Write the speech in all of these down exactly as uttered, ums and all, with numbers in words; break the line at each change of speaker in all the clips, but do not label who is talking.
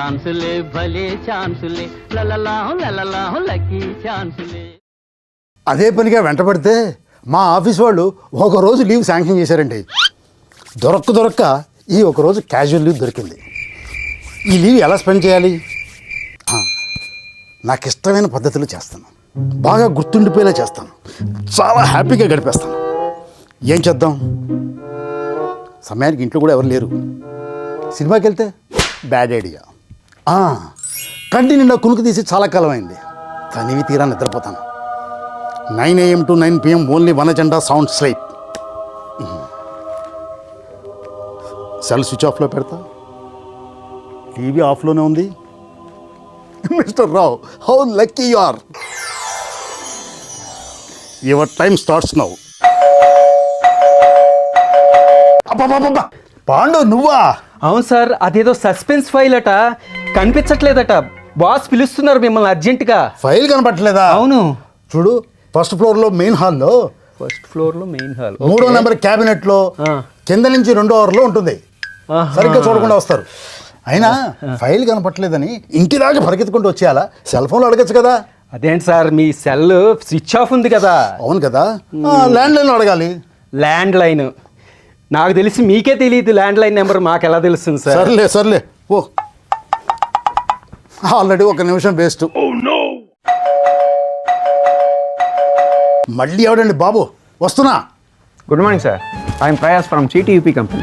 ఛాన్సులే భలే ఛాన్సులే లలలాహు లలలాహు లక్కీ ఛాన్సులే.
అదే పనిగా వెంటబడితే మా ఆఫీస్ వాళ్ళు ఒకరోజు లీవ్ శాంక్షన్ చేశారండి. దొరక్క దొరక్క ఈ ఒకరోజు క్యాజువల్ లీవ్ దొరికింది. ఈ లీవ్ ఎలా స్పెండ్ చేయాలి? నాకు ఇష్టమైన పద్ధతులు చేస్తాను, బాగా గుర్తుండిపోయేలా చేస్తాను, చాలా హ్యాపీగా గడిపేస్తాను. ఏం చేద్దాం? సమయానికి ఇంట్లో కూడా ఎవరు లేరు. సినిమాకి వెళ్తే బ్యాడ్ ఐడియా. కంటి నిండా కునుకు తీసి చాలా కాలం అయింది. తనివి తీరా నిద్రపోతాను. Nine AM to nine PM only one agenda sound sleep. Cell switch ఆఫ్లో పెడతా, టీవీ ఆఫ్లోనే ఉంది. Mister Rao, how lucky you are. Your time starts now. అబ్బా, పాండు నువ్వా?
అవును సార్, అదేదో సస్పెన్స్ ఫైల్ అట, కనిపించట్లేదట. బాస్ పిలుస్తున్నారు మిమ్మల్ని అర్జెంటుగా.
ఫైల్ కనపట్లేదా?
అవును.
చూడు, ఫస్ట్ ఫ్లోర్లో మెయిన్ హాల్లో,
ఫస్ట్ ఫ్లోర్లో మెయిన్ హాల్,
మూడో నెంబర్ క్యాబినెట్లో కింద నుంచి రెండో ఓవర్లో ఉంటుంది. సరిగ్గా చూడకుండా వస్తారు. అయినా ఫైల్ కనపట్లేదని ఇంటి దాకా పరిగెత్తుకుంటూ వచ్చేయాలా? సెల్ ఫోన్లో అడగచ్చు కదా.
అదేంటి సార్, మీ సెల్ స్విచ్ ఆఫ్ ఉంది కదా.
అవును కదా, ల్యాండ్ లైన్లో అడగాలి.
ల్యాండ్ లైన్ నాకు తెలిసి మీకే తెలియదు, ల్యాండ్ లైన్ నెంబర్ మాకు ఎలా తెలుస్తుంది సార్?
సర్లే సర్లే ఓ, ఆల్రెడీ ఒక నిమిషం వేస్ట్. మళ్ళీ ఎవడండి బాబు? వస్తున్నా.
Good morning sir, I'm Prayas from CTUP company.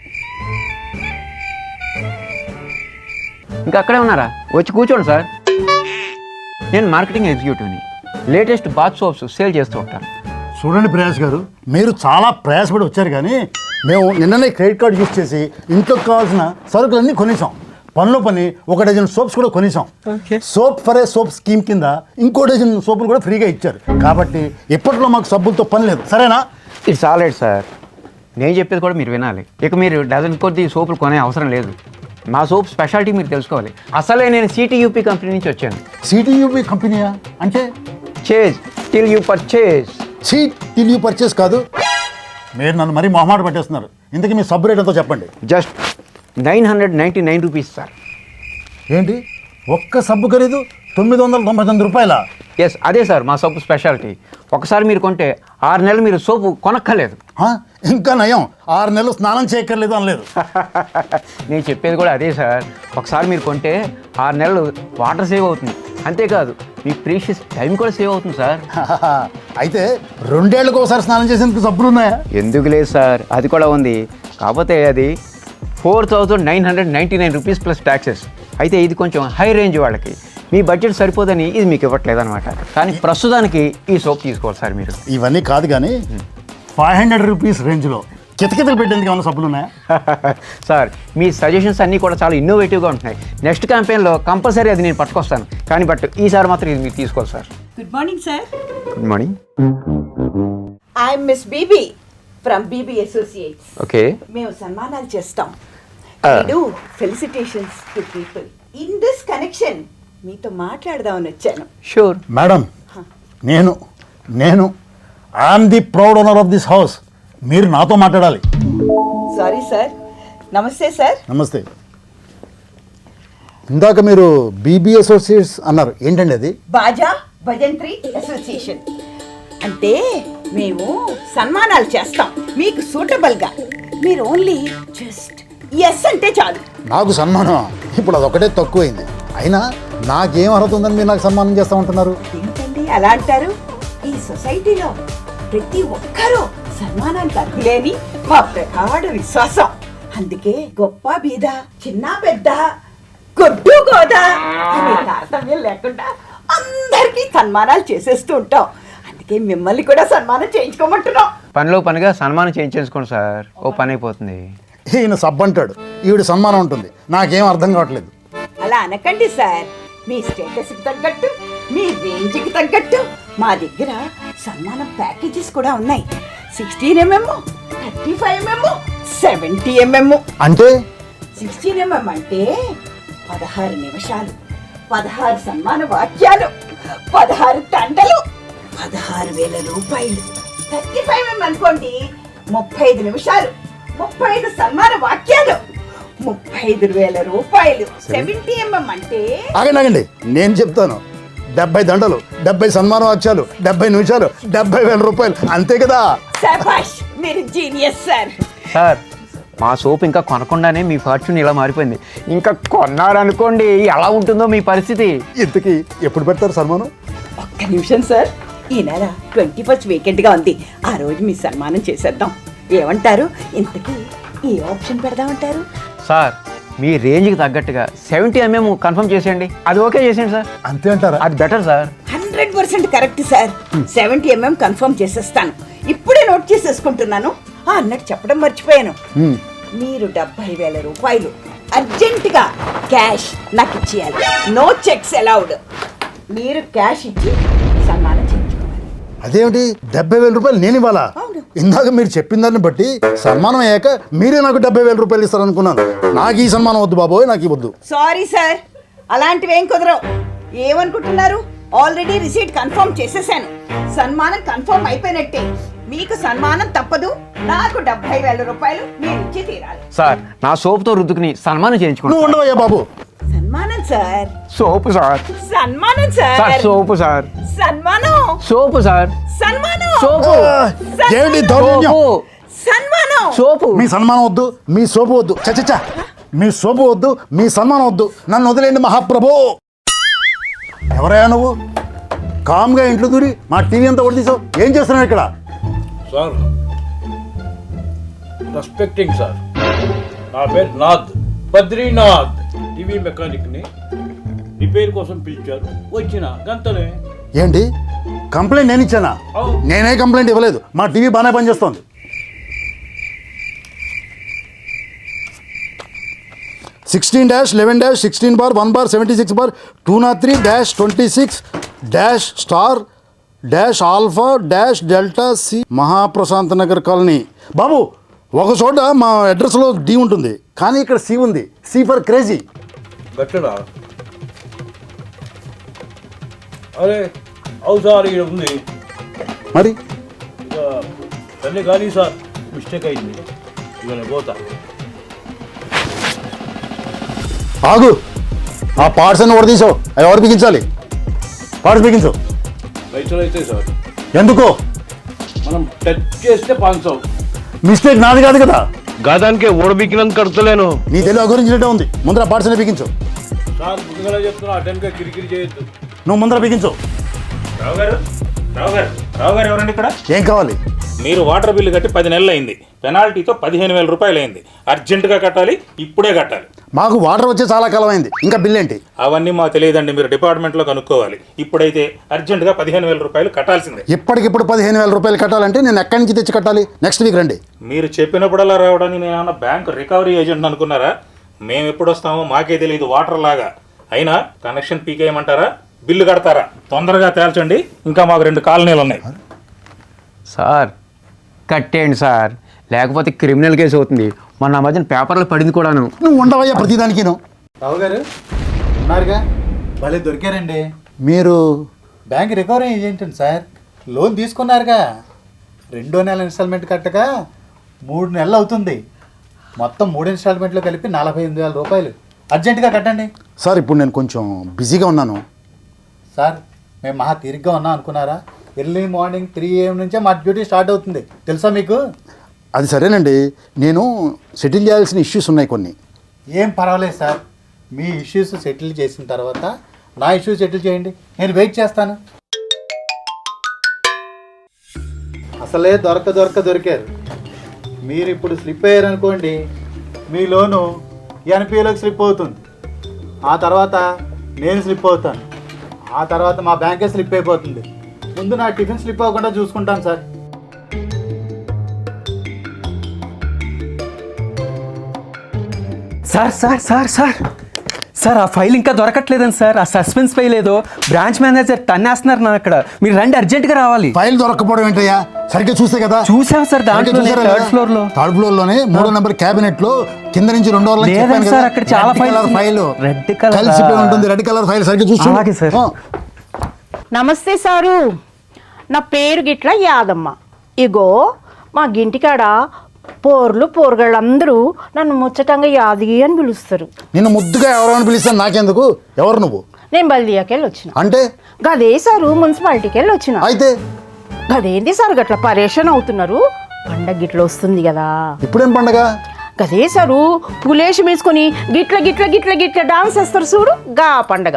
ఇంకా అక్కడే ఉన్నారా? వచ్చి కూర్చోండి సార్. నేను మార్కెటింగ్ ఎగ్జిక్యూటివ్ని. లేటెస్ట్ బాత్ సోప్స్ సేల్ చేస్తూ ఉంటాను.
చూడండి ప్రయాస్ గారు, మీరు చాలా ప్రయాసపడి వచ్చారు, కానీ మేము నిన్ననే క్రెడిట్ కార్డు యూజ్ చేసి ఇంట్లోకి కావాల్సిన సరుకులన్నీ కొనేసాం. పనిలో పని ఒక డజన్ సోప్స్ కూడా కొనేసాం. Soap for a soap scheme కింద ఇంకో డజన్ సోపులు కూడా ఫ్రీగా ఇచ్చారు. కాబట్టి ఇప్పట్లో మాకు సబ్బులతో పని లేదు. సరేనా?
It's all right sir. నేను చెప్పేది కూడా మీరు వినాలి. ఇక మీరు డజన్ కొద్ది సోపులు కొనే అవసరం లేదు. మా సోప్ స్పెషాలిటీ మీరు తెలుసుకోవాలి. అసలే నేను సిటీయూపీ కంపెనీ నుంచి వచ్చాను.
సిటీయూపీ కంపెనీయా? అంటే
chase till you purchase.
See till you purchase కాదు. మీరు నన్ను మరీ మొహమాట పట్టేస్తున్నారు. ఇంతకీ మీ సబ్ రేట్ ఎంతో చెప్పండి.
Just nine hundred ninety nine rupees sir.
ఏంటి, ఒక్క సబ్బు ఖరీదు తొమ్మిది వందల తొంభై తొమ్మిది రూపాయల?
ఎస్, అదే సార్ మా సోపు స్పెషాలిటీ. ఒకసారి మీరు కొంటే ఆరు నెలలు మీరు సోపు కొనక్కర్లేదు.
ఇంకా నయం, ఆరు నెలలు స్నానం చేయక్కర్లేదు అనలేదు.
నేను చెప్పేది కూడా అదే సార్. ఒకసారి మీరు కొంటే ఆరు నెలలు వాటర్ సేవ్ అవుతుంది. అంతేకాదు మీ ప్రీషియస్ టైం కూడా సేవ్ అవుతుంది సార్.
అయితే రెండేళ్లకు ఒకసారి స్నానం చేసేందుకు సబ్బులు ఉన్నాయా?
ఎందుకు లేదు సార్, అది కూడా ఉంది. కాకపోతే అది four thousand nine hundred ninety nine rupees plus taxes. అయితే ఇది కొంచెం హై రేంజ్ వాళ్ళకి. మీ బడ్జెట్ సరిపోదని ఇది మీకు ఇవ్వట్లేదు అనమాట. కానీ ప్రస్తుతానికి ఈ సోప్ తీసుకోవాలి సార్ మీరు.
ఇవన్నీ కాదు కానీ ఫైవ్ హండ్రెడ్ రూపీస్ రేంజ్లో కితకితలు పెట్టేందుకు ఏమైనా సబ్బులు ఉన్నాయా?
సార్ మీ సజెషన్స్ అన్నీ కూడా చాలా ఇన్నోవేటివ్గా ఉంటున్నాయి. నెక్స్ట్ క్యాంపెయిన్లో కంపల్సరీ అది నేను పట్టుకొస్తాను. కానీ బట్ ఈసారి మాత్రం ఇది మీరు తీసుకోవాలి sir.
Good morning sir.
Good morning.
I'm miss BB from BB associates.
Okay.
మేము సన్మానాలు చేస్తాం. Do felicitations to people. In this connection మీతో మాట్లాడదామని వచ్చాను.
Sure
madam. నేను నేను I'm the proud owner of this house. మీరు నాతో మాట్లాడాలి.
Sorry sir. నమస్తే సార్.
నమస్తే. ఇందాక మీరు బీబీ అసోసియేట్స్ అన్నారు, ఏంటండి అది?
బాజా భజంత్రి అసోసియేషన్. అంటే మేము సన్మానాలు చేస్తాం మీకు సూటబుల్గా. మీరు ఓన్లీ జస్ట్ ఎస్ అంటే చాలు.
నాకు సన్మానం ఇప్పుడు అదొకటే తక్కువైంది. అయినా నాకేం అర్హత ఉందని మీరు నాకు సన్మానం చేస్తా ఉంటున్నారు?
ఏంటండి అలా అంటారు? ఈ సొసైటీలో ప్రతి ఒక్కరూ సన్మానానికి అర్హులేని మా ప్రగాఢ విశ్వాసం. అందుకే గొప్ప బీద, చిన్న పెద్ద, గొడ్డు గోదా అనే తారతమ్యం లేకుండా అందరికీ సన్మానాలు చేసేస్తూ ఉంటాం. అందుకే మిమ్మల్ని కూడా సన్మానం చేయించుకోమంటున్నాం.
పనిలో పనిగా సన్మానం చేయించేసుకోండి సార్, ఓ పని అయిపోతుంది.
ఈయన సబ్ అంటాడు, ఈవిడ సన్మానం ఉంటుంది. నాకేం అర్థం కావట్లేదు.
అలా అనకండి సార్. మీ స్టేటస్కి తగ్గట్టు, మీ రేంజ్కి తగ్గట్టు మా దగ్గర సన్మానం ప్యాకేజెస్ కూడా ఉన్నాయి. Sixteen mm, thirty five mm, seventy mm.
అంటే
సిక్స్టీన్ ఎంఎం అంటే పదహారు నిమిషాలు, పదహారు సన్మాన వాక్యాలు, పదహారు తండలు, పదహారు వేల రూపాయలు. థర్టీ ఫైవ్ ఎంఎం అనుకోండి, ముప్పై ఐదు నిమిషాలు, ముప్పై ఐదు సన్మాన వాక్యాలు, ముప్పై ఐదు వేల రూపాయలు. సెవెంటీ ఎంఎం అంటే
ఆగండి ఆగండి నేను చెప్తాను. డెబ్బై దండలు, డెబ్బై సన్మాన వాక్యాలు, డెబ్బై నిమిషాలు, డెబ్బై వేల రూపాయలు అంతే కదా.
శభాష్, మీరు జీనియస్ సార్.
సార్ మా సోప్ ఇంకా కొనకుండానే మీ ఫార్చ్యూన్ ఇలా మారిపోయింది. ఇంకా కొన్నారనుకోండి ఎలా ఉంటుందో మీ పరిస్థితి.
ఇంతకీ ఎప్పుడు పెడతారు సన్మానం?
ఒక్క నిమిషం సార్, ఈ నెల ట్వంటీ ఫస్ట్ వీకెండ్ గా ఉంది. ఆ రోజు మీ సన్మానం చేసేద్దాం. ఏమంటారు? ఇంతకీ ఏ ఆప్షన్ పెడదామంటారు?
సార్ మీ రేంజ్కి తగ్గట్టుగా సెవెంటీ ఎంఎం కన్ఫర్మ్ చేసేయండి. అది ఓకే చేసేయండి సార్.
అంతే అంటారా?
అది better sir.
Hundred percent correct sir. Seventy mm confirm చేసేస్తాను. ఇప్పుడే నోట్ చేసేసుకుంటున్నాను. ఆ, అన్నట్టు చెప్పడం మర్చిపోయాను.
హ్మ్.
మీరు డెబ్బై వేల రూపాయలు అర్జెంటుగా క్యాష్ నాకు ఇచ్చేయాలి. No cheques allowed. మీరు క్యాష్ ఇచ్చి సన్మానం చేయించుకోవాలి.
అదేమిటి డెబ్బై వేల రూపాయలు నేను ఇవ్వాలా?
అవును.
ఇందాక మీరు చెప్పిన దాన్ని బట్టి సన్మానం అయ్యాక మీరే నాకు డెబ్బై వేల రూపాయలు ఇస్తారనుకున్నాను. నాకు ఈ సన్మానం వద్దు బాబోయ్, నాకు ఇవ్వద్దు.
సారీ సార్, అలాంటివి ఏం కుదరవు. ఏమనుకుంటున్నారు? ఆల్రెడీ రిసీట్ కన్ఫర్మ్ చేసేసాను. సన్మానం కన్ఫర్మ్ అయిపోయినట్టే. మీకు సన్మానం తప్పదు. నాకు డెబ్బై వేల రూపాయలు మీరు ఇచ్చి తీరాలి.
సార్ నా సోప్తో రుద్దుకుని సన్మానం
నువ్వు
చేయించుకోండి.
ఉండవయ్యా బాబు.
సన్మానం సార్.
Soap sir.
సన్మానం
సార్
సార్.
Soap sir.
సన్మానం.
Soap sir.
సన్మానం.
సోపు.
ఆ, ఏమిటి దౌర్జన్యం?
సోపు.
సన్మానం.
సోపు.
మీ సన్మానం వద్దు, మీ సోపు వద్దు. చచ్చచ్చా, మీ సోపు వద్దు, మీ సన్మానం వద్దు. నన్ను వదిలేండి మహాప్రభు. ఎవరయ్యా నువ్వు? కామ్గా ఇంట్లో దూరి మా టీవీ అంతా కొట్టేసావు. ఏం చేస్తున్నావు ఇక్కడ?
సార్ రెస్పెక్టింగ్ సార్, నా పేరు నాథ్, బద్రీనాథ్. టీవీ మెకానిక్ని రిపేర్ కోసం పిలిచారు, వచ్చిన గంతనే.
ఏంటి కంప్లైంట్ నేను ఇచ్చానా?
అవును.
నేనే కంప్లైంట్ ఇవ్వలేదు. మా టీవీ బాగానే పనిచేస్తోంది. Sixteen dash eleven dash sixteen bar one bar seventy six bar two not three dash twenty six dash star dash alpha dash delta C Mahaprashant Nagar colony. బాబు ఒక చోట మా అడ్రస్లో డి ఉంటుంది, కానీ ఇక్కడ సి ఉంది. C for crazy.
గట్టడా? అరే అవు సార్, ఇక్కడ ఉంది.
మరి
ఇక తల్లి కానీ సార్, మిస్టేక్ అయింది. ఇక నేను పోతా.
ఆగు, ఆ పార్ట్స్ అన్ని తీసావు. అవి ఎవరు బిగించాలి? పార్ట్స్ బిగించు.
పైసలు అయితే సార్,
ఎందుకో?
మనం టచ్ చేస్తే పాంచవు.
మిస్టేక్ నాది కాదు కదా.
గదానికే ఓడబిక్కినందుకు కడతలేను
నీ తెలివి గురించినట్టే ఉంది. ముందర పార్ట్స్ అన్ని బిగించు.
సార్. ముందుగా చెప్తున్నా, అటెన్గా కిరికిరి చేయొద్దు.
నువ్వు ముందర బిగించు.
రావు గారు రావు గారు రావు గారు ఎవరండి ఇక్కడ?
ఏం కావాలి?
మీరు వాటర్ బిల్లు కట్టి పది నెలలు అయింది. పెనాల్టీతో పదిహేను వేల రూపాయలు అయింది. అర్జెంటుగా కట్టాలి, ఇప్పుడే కట్టాలి.
మాకు వాటర్ వచ్చే చాలా కాలం అయింది, ఇంకా బిల్ ఏంటి?
అవన్నీ మాకు తెలియదండి, మీరు డిపార్ట్మెంట్లో కనుక్కోవాలి. ఇప్పుడైతే అర్జెంటుగా పదిహేను వేల రూపాయలు కట్టాల్సిందే.
ఇప్పటికిప్పుడు పదిహేను వేల రూపాయలు కట్టాలంటే నేను ఎక్కడి నుంచి తెచ్చి కట్టాలి? నెక్స్ట్ వీక్ రండి.
మీరు చెప్పినప్పుడల్లా రావడానికి నేను ఏమన్నా బ్యాంక్ రికవరీ ఏజెంట్ అనుకున్నారా? మేము ఎప్పుడు వస్తామో మాకే తెలియదు వాటర్ లాగా. అయినా కనెక్షన్ పీకేయమంటారా, బిల్లు కడతారా? తొందరగా తేల్చండి, ఇంకా మాకు రెండు కాలనీలు ఉన్నాయి.
సార్ కట్టేయండి సార్, లేకపోతే క్రిమినల్ కేసు అవుతుంది. మొన్న ఆ మధ్యన పేపర్లో పడింది కూడాను.
నువ్వు ఉండవయ్యా ప్రతిదానికి. నువ్వు
రావు గారు ఉన్నారుగా? భలే దొరికారండి.
మీరు
bank recovery agent sir. Loan తీసుకున్నారుగా, రెండో నెల ఇన్స్టాల్మెంట్ కట్టక మూడు నెలలు అవుతుంది. మొత్తం మూడు ఇన్స్టాల్మెంట్లు కలిపి నలభై ఎనిమిది వేల రూపాయలు అర్జెంటుగా కట్టండి.
సార్ ఇప్పుడు నేను కొంచెం బిజీగా ఉన్నాను.
సార్ మేము మహా తీరిగ్గా ఉన్నాం అనుకున్నారా? ఎర్లీ మార్నింగ్ త్రీ ఏఎం నుంచే మా డ్యూటీ స్టార్ట్ అవుతుంది, తెలుసా మీకు?
అది సరేనండి, నేను సెటిల్ చేయాల్సిన ఇష్యూస్ ఉన్నాయి కొన్ని.
ఏం పర్వాలేదు సార్, మీ ఇష్యూస్ సెటిల్ చేసిన తర్వాత నా ఇష్యూస్ సెటిల్ చేయండి, నేను వెయిట్ చేస్తాను. అసలే దొరక దొరక దొరికారు. మీరు ఇప్పుడు స్లిప్ అయ్యారనుకోండి, మీ లోను ఎన్పిఏలోకి స్లిప్ అవుతుంది. ఆ తర్వాత నేను స్లిప్ అవుతాను. ఆ తర్వాత మా బ్యాంకే స్లిప్ అయిపోతుంది. ముందు నా టిఫిన్ స్లిప్ అవ్వకుండా చూసుకుంటాను sir.
Sir sir sir sir sir ఆ ఫైల్ ఇంకా దొరకట్లేదండి సార్. ఆ సస్పెన్స్ ఫైల్ ఏదో బ్రాంచ్ మేనేజర్ తన్నేస్తున్నారు నా అక్కడ. మీరు రండి, అర్జెంట్గా రావాలి.
ఫైల్ దొరకపోవడం ఏంటయ్యా? సరిగ్గా చూస్తే కదా.
చూసాం సార్, దాంట్లో థర్డ్ ఫ్లోర్ లో
థర్డ్ ఫ్లోర్ లోనే మూడో నెంబర్ క్యాబినెట్ లో కింద నుంచి రెండో
లేదండి సార్, అక్కడ చాలా ఫైల్
ఫైల్
రెడ్ కలర్
కలిసిపోయి ఉంటుంది. రెడ్ కలర్ ఫైల్ సరిగ్గా చూసి.
అలాగే సార్.
నమస్తే సారు, నా పేరు గిట్ల యాదమ్మ. ఇగో మా గింటికాడ పోర్లు పోరగాళ్ళందరూ నన్ను ముచ్చటంగా యాది అని పిలుస్తారు.
నిన్ను ముద్దుగా ఎవరైనా పిలిస్తాను నాకెందుకు? ఎవరు నువ్వు?
నేను బల్దియాకి వెళ్ళి వచ్చిన.
అంటే
గదే సారు మున్సిపాలిటీకి వెళ్ళి వచ్చిన.
అయితే
గదేంటి సార్ గట్ల పరేషాన్ అవుతున్నారు? పండగ గిట్ల వస్తుంది కదా.
ఇప్పుడేం పండగ?
గదే సారు పులేషం వేసుకొని గిట్ల గిట్ల గిట్ల గిట్ల డాన్స్ వేస్తారు చూడు, గా పండగ.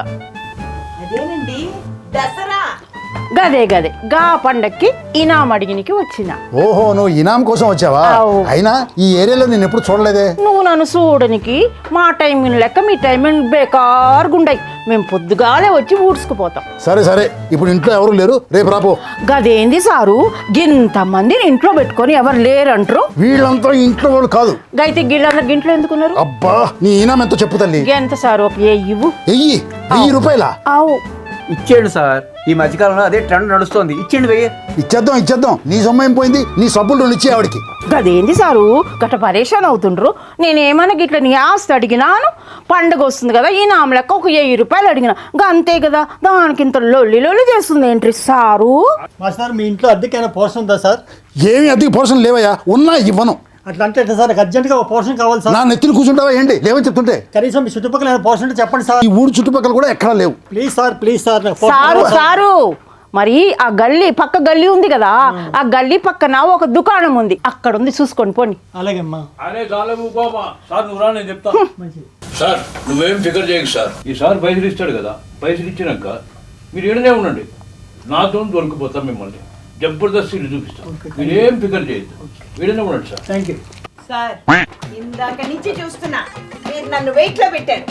అదేనండి దసరా.
గదే గదే గా పండక్కి ఇనాం అడిగినికి వచ్చిన.
ఓహో, నువ్వు ఇనాం కోసం వచ్చావా?
అవు.
అయినా ఈ ఏరియాలో నేను ఎప్పుడు చూడలేదే.
నువ్వు నన్ను చూడనికి మా టైమింగ్ లెక్క మీ టైమింగ్ బేకారుగుండయి. మేము పొద్దుగాలే వచ్చి ఊడ్చుకుపోతాం.
సరే సరే, ఇప్పుడు ఇంట్లో ఎవరు లేరు, రేపు రాపో.
గదేంది సారు గింత మందిని ఇంట్లో పెట్టుకొని ఎవరు లేరంటారు?
వీళ్ళంతా ఇంట్లో వాళ్ళు కాదు.
గైతే గిళ్ళందరు ఇంట్లో ఎందుకున్నారు?
అబ్బా, నీ ఇనాం ఎంతో చెప్పు తల్లి.
ఎంత సారు ఒక ఏ ఇవ్వు.
వెయ్యి వెయ్యి రూపాయల
అవు
ఇచ్చేయండి సార్, ఈ మధ్యకాలంలో అదే ట్రెండ్ నడుస్తోంది. ఇచ్చేయండి వెయ్యి.
ఇచ్చేద్దాం ఇచ్చేద్దాం. నీ సొమ్మ ఏం పోయింది? నీ సబ్బులు రెండు ఇచ్చే ఆవిడికి.
గదేంది సారు గట్ట పరేషాన్ అవుతుండ్రు? నేనేమన్నా గిట్ల నీ ఆస్తి అడిగినాను? పండుగ వస్తుంది కదా, ఈ నామ లెక్క ఒక వెయ్యి రూపాయలు అడిగిన గా అంతే కదా, దానికి ఇంత లొల్లి లొల్లి చేస్తుంది ఏంటి సారు?
మాస్టర్ మీ ఇంట్లో అద్దెకైనా పోర్షన్ ఉందా సార్?
ఏమి అద్దెకి పోర్షన్ లేవయ్యా, ఉన్నా ఇవ్వను.
అట్లా అంటే ఎట్లా సార్? నాకు అర్జెంట్గా ఒక పోర్షన్ కావాలి
నా
సార్.
నెత్తిని కూర్చుంటావా ఏంటి? లేవని చెప్తుంటే.
కనీసం మీ చుట్టుపక్కల ఏమైనా పోర్షన్ ఉంటే చెప్పండి సార్.
ఈ ఊరు చుట్టుపక్కల కూడా ఎక్కడా లేవు.
Please sir, please sir. నాకు పోర్షన్
సారు
కావాలి సార్.
సారు మరి ఆ గల్లీ పక్క గల్లీ ఉంది కదా, ఆ గల్లీ పక్కన ఒక దుకాణం ఉంది, అక్కడ ఉంది చూసుకోండి పోండి.
అలాగే అమ్మా.
అరే చాలవు బాబా, సార్ నువ్వు రా, నేను చెప్తా. సార్ నువ్వేం ఫికర్ చేయకు సార్, ఈ సార్ పైసలు ఇస్తాడు కదా, పైసలు ఇచ్చినాక మీరు ఏడనే ఉండండి, నాతో దొరికిపోతాం మిమ్మల్ని జబర్దస్త్ ఇల్లు చూపిస్తాం. మీరేం ఫికర్ చేయొద్దు, వీడనే ఉండండి సార్.
థ్యాంక్ యూ
సార్ ఇందాక నుంచి చూస్తున్నా మీరు నన్ను వెయిట్ లో పెట్టారు.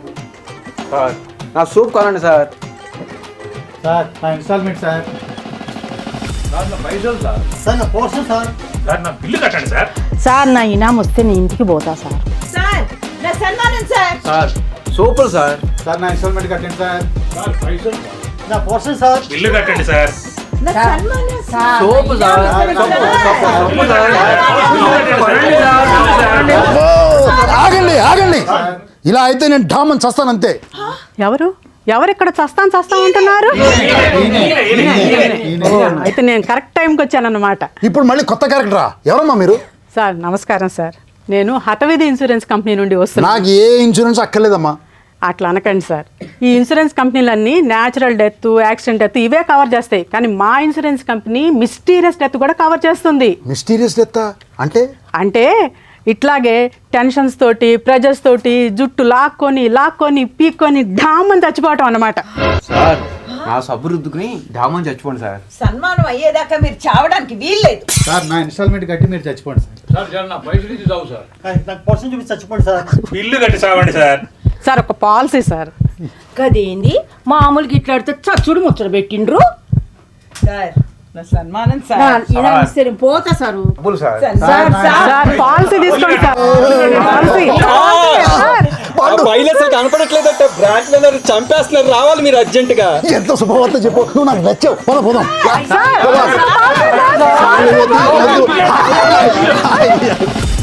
సార్ నా సూప్ కావాలండి సార్.
సార్ నా ఇన్స్టాల్మెంట్ సార్.
సార్ నా పైసలు సార్.
సార్ నా పోర్షన్ సార్.
సార్ నా బిల్లు కట్టండి సార్.
సార్ నా ఇనాం వస్తే నేను ఇంటికి పోతా సార్.
సార్ నా సన్మానం సార్.
సార్ సూపులు సార్.
సార్ నా ఇన్స్టాల్మెంట్ కట్టండి సార్.
సార్ పైసలు సార్.
నా పోర్షన్ సార్.
బిల్లు కట్టండి సార్.
నా సన్మానం sir.
Soap sir. Soap sir.
అబ్బో, ఆగండి ఆగండి. ఇలా అయితే నేను ఢామని చస్తానంతే.
ఎవరు ఎవరు ఇక్కడ చస్తాను చస్తాను అంటున్నారు? ఓ, అయితే నేను కరెక్ట్ టైంకి వచ్చానన్నమాట.
ఇప్పుడు మళ్ళీ కొత్త క్యారెక్టరా? ఎవరమ్మా మీరు?
సార్ నమస్కారం సార్, నేను హతవిధి ఇన్సూరెన్స్ కంపెనీ నుండి వస్తున్నాను.
నాకు ఏ ఇన్సూరెన్స్ అక్కర్లేదమ్మా.
అట్లా అనకండి సార్, ఈ ఇన్సూరెన్స్ కంపెనీలన్నీ న్యాచురల్ డెత్, యాక్సిడెంట్ డెత్ ఇవే కవర్ చేస్తాయి, కానీ మా ఇన్సూరెన్స్ కంపెనీ మిస్టీరియస్ డెత్ కూడా కవర్ చేస్తుంది.
మిస్టీరియస్ డెత్ అంటే?
అంటే ఇట్లాగే టెన్షన్స్ తోటి, ప్రెజర్స్ తోటి జుట్టు లాక్కొని లాక్కొని పీక్కొని ఢామని చచ్చిపోవటం అన్నమాట.
సార్ నా సబ్బు రుద్దుకుని డామని చచ్చిపోండి సార్.
సన్మానం అయ్యేదాకా మీరు చావడానికి వీల్లేదు.
సార్ నా ఇన్స్టాల్మెంట్ కట్టి మీరు చచ్చిపోండి సార్.
సార్ జర నా పైసలు ఇచ్చి చావు సార్.
నాకు పోర్షన్ చూపించి చచ్చిపోండి సార్.
బిల్లు కట్టి సావండి సార్.
సార్ ఒక పాలసీ సార్.
గదేంది మామూలుగా ఇట్లాడితే చచ్చుడు ముచ్చట పెట్టిండ్రు.
సార్ నా సన్మానం
నా
సార్.
ఇనాం ఇస్తే నేను పోతా సారు.
డబ్బులు sir.
Sir sir
sir policy తీసుకోండి సార్. పాలసీ. సార్
ఫైల్ అసలు కనపడట్లేదంటే బ్రాంచ్ మేనేజర్ చంపేస్తున్నారు, రావాలి మీరు అర్జెంట్ గా.
ఎంత శుభవార్త చెప్పు, నువ్వు నాకు నచ్చావు. పోదాం పోదాం.
Sir, sir, sir.
పోదాం.